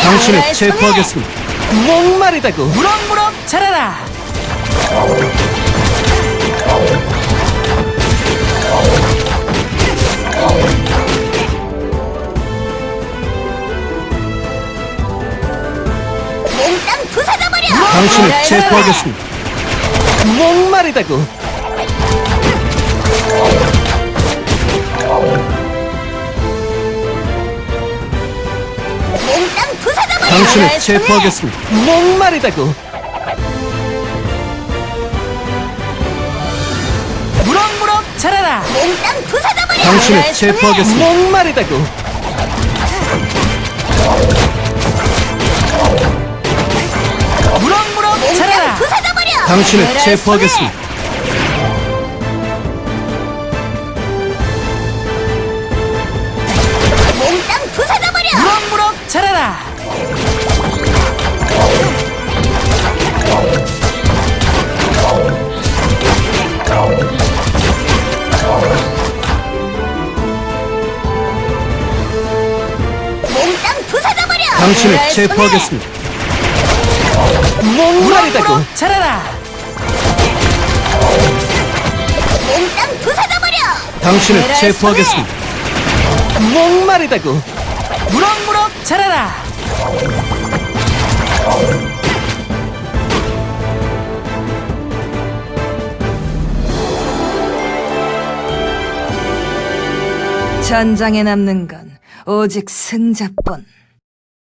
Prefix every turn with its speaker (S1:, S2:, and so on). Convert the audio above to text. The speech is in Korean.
S1: 당신을 체포하겠습니다. 목마르다고.
S2: 무럭무럭 자라라.
S3: 몽땅 부숴져버려!
S1: 당신을 체포하겠습니다. 목마르다고.
S3: 몽땅 부숴져버려!
S1: 당신을 체포하겠습니다. 목마르다고.
S2: 무럭무럭 자라라.
S3: 몽땅 부숴져버려!
S1: 당신을 체포하겠습니다. 목마르다고.
S2: 무럭무럭
S3: 몽땅
S2: 자라라.
S3: 부숴져버려!
S1: 당신을 체포하겠습니다.
S3: 몽땅 부숴져버려!
S2: 무럭무럭 자라라.
S3: 몽땅 부숴져버려!
S1: 당신을 체포하겠습니다. 목마르다고.
S2: 무럭무럭 자라라.
S3: 몽땅 부숴져버려!
S1: 당신을 체포하겠습니다. 목마르다고.
S2: 무럭무럭 자라라.
S4: 전장에 남는 건 오직 승자뿐.